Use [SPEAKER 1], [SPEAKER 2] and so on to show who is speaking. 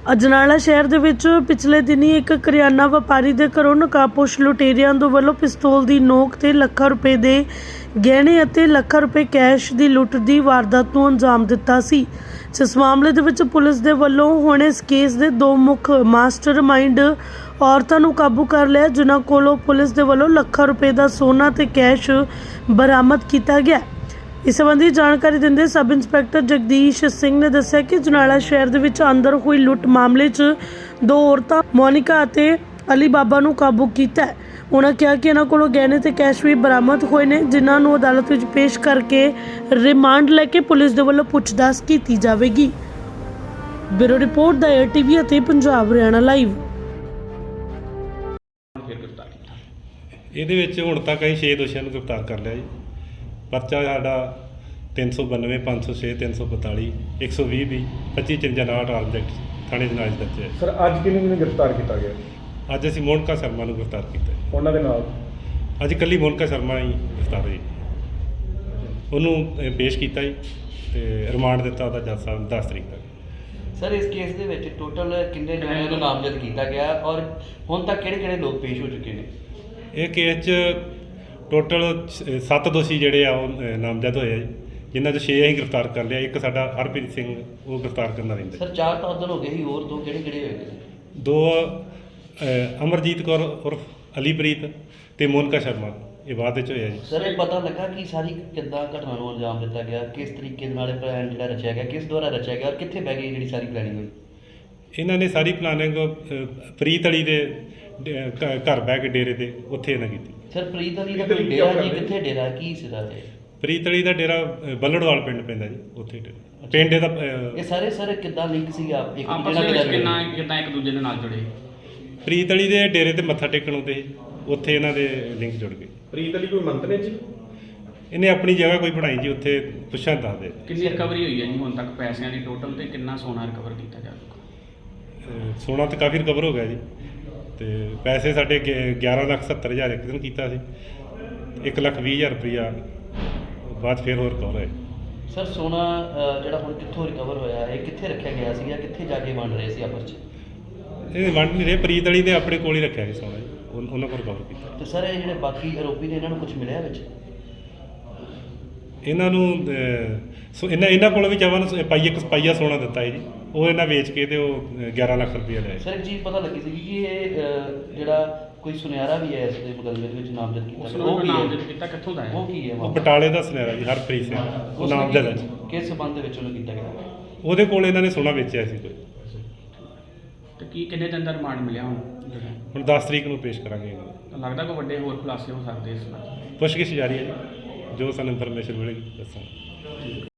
[SPEAKER 1] ਅਜਨਾਲਾ ਸ਼ਹਿਰ ਦੇ ਵਿੱਚ ਪਿਛਲੇ ਦਿਨੀ ਇੱਕ ਕਰਿਆਨਾ ਵਪਾਰੀ ਦੇ ਘਰੋਂ ਨਕਾਬਪੋਸ਼ ਲੁਟੇਰਿਆਂ ਦੇ ਵੱਲੋਂ ਪਿਸਤੌਲ ਦੀ ਨੋਕ ਤੇ ਲੱਖਾਂ ਰੁਪਏ ਦੇ ਗਹਿਣੇ ਅਤੇ ਲੱਖਾਂ ਰੁਪਏ ਕੈਸ਼ ਦੀ ਲੁੱਟ ਦੀ ਵਾਰਦਾਤ ਨੂੰ ਅੰਜਾਮ ਦਿੱਤਾ ਸੀ। ਇਸ ਮਾਮਲੇ ਦੇ ਵਿੱਚ ਪੁਲਿਸ ਦੇ ਵੱਲੋਂ ਹੁਣ ਇਸ ਕੇਸ ਦੇ ਦੋ ਮੁੱਖ ਮਾਸਟਰਮਾਈਂਡ ਔਰਤਾਂ ਨੂੰ ਕਾਬੂ ਕਰ ਲਿਆ, ਜਿਨ੍ਹਾਂ ਕੋਲੋਂ ਪੁਲਿਸ ਦੇ ਵੱਲੋਂ ਲੱਖਾਂ ਰੁਪਏ ਦਾ ਸੋਨਾ ਤੇ ਕੈਸ਼ ਬਰਾਮਦ ਕੀਤਾ ਗਿਆ। इस संबंधी जानकारी देंदे सब इंस्पैक्टर जगदीश सिंह ने दस्सिया कि अजनाला शहर दे विच अंदर हुई लुट मामले च दो औरतां मोनिका अते अली बाबा नूं काबू कीता है। उन्होंने कहा कि इन्हां कोलों गहने ते कैश भी बरामद होए ने, जिन्हां नूं अदालत विच पेश करके रिमांड लैके पुलिस दे वल्लों पुछताछ कीती जावेगी। ब्यूरो रिपोर्ट दा ATV अते पंजाब हरियाणा लाइव।
[SPEAKER 2] ਇਹਦੇ ਵਿੱਚ ਹੁਣ ਤੱਕ ਅਸੀਂ 6 ਦੋਸ਼ੀਆਂ ਨੂੰ ਗ੍ਰਿਫਤਾਰ ਕਰ ਲਿਆ ਜੀ। ਪਰਚਾ ਸਾਡਾ 392 506 342 120 ਵੀ 25 59 ਆਬਜੈਕਟ ਥਾਣੇ ਜਨਾਜ ਦਰਜ ਹੈ।
[SPEAKER 3] ਸਰ ਅੱਜ ਕਿਹਨੂੰ ਗ੍ਰਿਫਤਾਰ ਕੀਤਾ ਗਿਆ?
[SPEAKER 2] ਅੱਜ ਅਸੀਂ ਮੋਨਕਾ ਸ਼ਰਮਾ ਨੂੰ ਗ੍ਰਿਫਤਾਰ ਕੀਤਾ ਹੈ।
[SPEAKER 3] ਉਹਨਾਂ ਦੇ ਨਾਲ
[SPEAKER 2] ਅੱਜ ਇਕੱਲੀ ਮੋਨਕਾ ਸ਼ਰਮਾ ਹੀ ਗ੍ਰਿਫਤਾਰ ਹੋਈ। ਉਹਨੂੰ ਪੇਸ਼ ਕੀਤਾ ਜੀ ਤੇ ਰਿਮਾਂਡ ਦਿੱਤਾ ਉਹਦਾ ਜੱਜ ਸਾਹਿਬ 10 ਤਰੀਕ ਤੱਕ।
[SPEAKER 4] ਸਰ ਇਸ ਕੇਸ ਦੇ ਵਿੱਚ ਟੋਟਲ ਕਿੰਨੇ ਜਣਿਆਂ ਨੂੰ ਨਾਮਜ਼ਦ ਕੀਤਾ ਗਿਆ ਔਰ ਹੁਣ ਤੱਕ ਕਿਹੜੇ ਲੋਕ ਪੇਸ਼ ਹੋ ਚੁੱਕੇ ਨੇ?
[SPEAKER 2] ਇਹ ਕੇਸ 'ਚ ਟੋਟਲ 7 ਦੋਸ਼ੀ ਜਿਹੜੇ ਆ ਉਹ ਨਾਮਜ਼ਦ ਹੋਏ ਆ ਜੀ, ਜਿਨ੍ਹਾਂ 'ਚ 6 ਅਸੀਂ ਗ੍ਰਿਫਤਾਰ ਕਰ ਲਿਆ। ਇੱਕ ਸਾਡਾ ਹਰਪ੍ਰੀਤ ਸਿੰਘ ਉਹ ਗ੍ਰਿਫਤਾਰ ਕਰਨਾ ਰਹਿੰਦਾ।
[SPEAKER 4] ਸਰ 4 ਤਾਂ ਉਦੋਂ ਹੋ ਗਏ ਸੀ, ਹੋਰ ਦੋ ਕਿਹੜੇ ਹੋਏ ਨੇ?
[SPEAKER 2] 2 ਅਮਰਜੀਤ ਕੌਰ ਉਰਫ ਅਲੀਪ੍ਰੀਤ ਤੇ ਮੋਨਕਾ ਸ਼ਰਮਾ, ਇਹ ਬਾਅਦ ਵਿੱਚ ਹੋਇਆ ਜੀ।
[SPEAKER 4] ਸਰ ਇਹ ਪਤਾ ਲੱਗਾ ਕਿ ਸਾਰੀ ਕਿੱਦਾਂ ਘਟਨਾ ਨੂੰ ਅੰਜਾਮ ਦਿੱਤਾ ਗਿਆ, ਕਿਸ ਤਰੀਕੇ ਨਾਲ ਇਹ ਪਲਾਨ ਜਿਹੜਾ ਰਚਿਆ ਗਿਆ, ਕਿਸ ਦੁਆਰਾ ਰਚਿਆ ਗਿਆ ਔਰ ਕਿੱਥੇ ਬਹਿ ਗਈ ਜਿਹੜੀ ਸਾਰੀ ਪਲੈਨਿੰਗ ਹੋਈ?
[SPEAKER 2] ਇਹਨਾਂ ਨੇ ਸਾਰੀ ਪਲਾਨਿੰਗ ਪ੍ਰੀਤ ਅਲੀ ਦੇ ਘਰ ਬਹਿ ਕੇ ਡੇਰੇ ਤੇ ਉੱਥੇ ਇਹਨਾਂ ਕੀਤੀ।
[SPEAKER 4] ਸਰ ਪ੍ਰੀਤ ਅਲੀ ਦਾ ਕੋਈ ਡੇਰਾ ਜੀ, ਕਿੱਥੇ ਡੇਰਾ, ਕੀ ਸੀਗਾ ਇਹ?
[SPEAKER 2] ਪ੍ਰੀਤ ਅਲੀ ਦਾ ਡੇਰਾ ਬੱਲੜਵਾਲ ਪਿੰਡ ਪੈਂਦਾ ਜੀ, ਉੱਥੇ ਪਿੰਡ ਇਹਦਾ।
[SPEAKER 4] ਇਹ ਸਾਰੇ ਸਰ ਕਿੱਦਾਂ ਲਿੰਕ ਸੀ ਆਪ ਇੱਕ
[SPEAKER 5] ਆਪਸ ਵਿੱਚ ਕਿੱਦਾਂ ਇੱਕ ਦੂਜੇ ਦੇ ਨਾਲ ਜੁੜੇ?
[SPEAKER 2] ਪ੍ਰੀਤ ਅਲੀ ਦੇ ਡੇਰੇ ਤੇ ਮੱਥਾ ਟੇਕਣ ਆਉਂਦੇ ਸੀ, ਉੱਥੇ ਇਹਨਾਂ ਦੇ ਲਿੰਕ ਜੁੜ ਗਏ।
[SPEAKER 3] ਪ੍ਰੀਤ ਅਲੀ ਕੋਈ ਮੰਤਰੀ ਜੀ?
[SPEAKER 2] ਇਹਨੇ ਆਪਣੀ ਜਗ੍ਹਾ ਕੋਈ ਬਣਾਈ ਜੀ, ਉੱਥੇ ਪੁੱਛਾਂ ਦੱਸਦੇ।
[SPEAKER 5] ਕਿੰਨੀ ਰਿਕਵਰੀ ਹੋਈ ਹੈ ਜੀ ਹੁਣ ਤੱਕ ਪੈਸਿਆਂ ਦੀ ਟੋਟਲ ਤੇ ਕਿੰਨਾ ਸੋਨਾ ਰਿਕਵਰ ਕੀਤਾ ਜਾ ਚੁੱਕਾ?
[SPEAKER 2] ਸੋਨਾ ਤਾਂ ਕਾਫੀ ਰਿਕਵਰ ਹੋ ਗਿਆ ਜੀ, ਤੇ ਪੈਸੇ ਸਾਡੇ 11,70,000 ਇੱਕ ਦਿਨ ਕੀਤਾ ਸੀ, 1,20,000 ਰੁਪਈਆ ਬਾਅਦ ਫਿਰ ਹੋਰ ਰਿਕਵਰ ਹੋਇਆ।
[SPEAKER 4] ਸਰ ਸੋਨਾ ਜਿਹੜਾ ਹੁਣ ਕਿੱਥੋਂ ਰਿਕਵਰ ਹੋਇਆ, ਇਹ ਕਿੱਥੇ ਰੱਖਿਆ ਗਿਆ ਸੀ ਜਾਂ ਕਿੱਥੇ ਜਾ ਕੇ ਵੰਡ ਰਹੇ ਸੀ ਆਪਸ 'ਚ?
[SPEAKER 2] ਇਹ ਵੰਡ ਨਹੀਂ ਰਹੇ, ਪ੍ਰੀਤ ਅਲੀ ਨੇ ਆਪਣੇ ਕੋਲ ਹੀ ਰੱਖਿਆ ਸੀ ਸੋਨਾ ਜੀ, ਉਹਨਾਂ ਕੋਲ ਰਿਕਵਰ ਕੀਤਾ।
[SPEAKER 4] ਤੇ ਸਰ ਇਹ ਜਿਹੜੇ ਬਾਕੀ ਆਰੋਪੀ ਨੇ ਇਹਨਾਂ ਨੂੰ ਕੁਝ ਮਿਲਿਆ ਵਿੱਚ?
[SPEAKER 2] ਇਹਨਾਂ ਨੂੰ ਇਹਨਾਂ ਕੋਲ ਵੀ ਚਾਹਵਾਂ ਨੂੰ ਪਾਈਆ ਸੋਨਾ ਦਿੱਤਾ ਹੈ ਜੀ, ਉਹ ਇਹਨਾਂ ਵੇਚ ਕੇ ਤੇ ਉਹ 11 ਲੱਖ ਰੁਪਈਆ ਲਿਆ।
[SPEAKER 4] ਸਰ ਇੱਕ ਚੀਜ਼ ਪਤਾ ਲੱਗੀ ਸੀ ਕਿ ਇਹ ਜਿਹੜਾ ਕੋਈ ਸੁਨਿਆਰਾ ਵੀ ਹੈ ਇਸ ਦੇ ਮੁਕੱਦਮੇ ਦੇ ਵਿੱਚ ਨਾਮਜ਼ਦ ਕੀਤਾ ਗਿਆ, ਉਹ
[SPEAKER 5] ਨਾਮਜ਼ਦ ਕੀਤਾ ਕਿੱਥੋਂ ਦਾ ਹੈ?
[SPEAKER 4] ਉਹ ਕੀ ਹੈ?
[SPEAKER 2] ਉਹ ਬਟਾਲੇ ਦਾ ਸੁਨਿਆਰਾ ਜੀ, ਹਰਪ੍ਰੀਤ ਸਿੰਘ, ਉਹ ਨਾਮਜ਼ਦ ਹੈ।
[SPEAKER 4] ਕਿਸ ਸੰਬੰਧ ਦੇ ਵਿੱਚ ਉਹਨੂੰ ਕੀਤਾ ਗਿਆ?
[SPEAKER 2] ਉਹਦੇ ਕੋਲ ਇਹਨਾਂ ਨੇ ਸੋਨਾ ਵੇਚਿਆ ਸੀ ਕੋਈ।
[SPEAKER 5] ਤੇ ਕੀ ਕਿੰਨੇ ਦਿਨ ਦਾ ਰਿਮਾਂਡ ਮਿਲਿਆ ਹੁਣ?
[SPEAKER 2] ਹੁਣ 10 ਤਰੀਕ ਨੂੰ ਪੇਸ਼ ਕਰਾਂਗੇ ਇਹਨਾਂ ਨੂੰ।
[SPEAKER 5] ਤਾਂ ਲੱਗਦਾ ਕੋਈ ਵੱਡੇ ਹੋਰ ਖੁਲਾਸੇ ਹੋ ਸਕਦੇ ਇਸ ਨਾਲ?
[SPEAKER 2] ਪੁੱਛਗਿੱਛ ਜਾਰੀ ਹੈ ਜੀ, ਜੋ ਸਾਨੂੰ ਇਨਫੋਰਮੇਸ਼ਨ ਮਿਲੇਗੀ ਦੱਸਾਂਗੇ।